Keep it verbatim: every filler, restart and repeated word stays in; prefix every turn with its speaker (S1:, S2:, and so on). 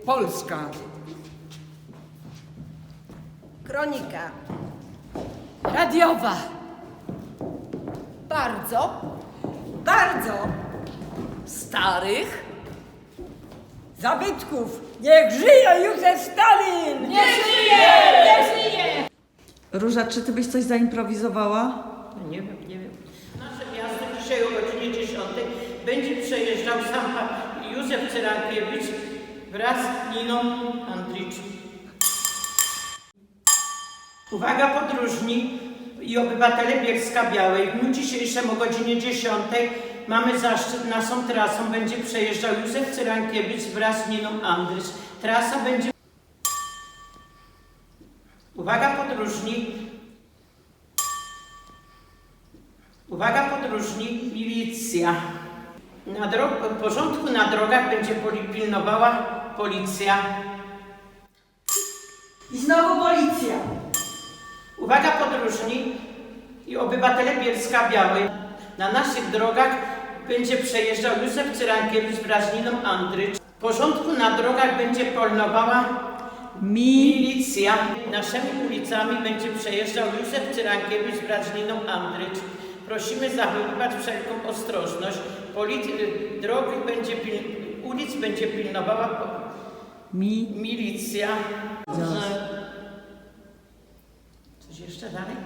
S1: Polska.
S2: Kronika.
S3: Radiowa.
S2: Bardzo, bardzo.
S3: Starych.
S2: Zabytków. Niech żyje Józef Stalin!
S3: Niech żyje! Niech żyje!
S4: Róża, czy ty byś coś zaimprowizowała?
S5: Nie wiem, nie wiem. Nasze miasto dzisiaj o godzinie dziesiątej będzie przejeżdżał sam pan Józef Cyrankiewicz wraz z Niną Andricz. Uwaga podróżni i obywatele Bielska-Białej. W dniu dzisiejszym o godzinie dziesiątej mamy zaszczyt, naszą trasą będzie przejeżdżał Józef Cyrankiewicz wraz z Niną Andricz. Trasa będzie... Uwaga podróżni. Uwaga podróżni, milicja. Na dro- porządku na drogach będzie poli- pilnowała policja.
S2: I znowu policja.
S5: Uwaga podróżni i obywatele Bielska-Białej. Na naszych drogach będzie przejeżdżał Józef Cyrankiewicz wraz z Niną Andrycz. W porządku na drogach będzie pilnowała milicja. Naszymi ulicami będzie przejeżdżał Józef Cyrankiewicz wraz z Niną Andrycz. Prosimy zachowywać wszelką ostrożność. Poli- drogi będzie pil- ulic będzie pilnowała po-
S4: Mi.
S5: milicja. Coś jeszcze dalej?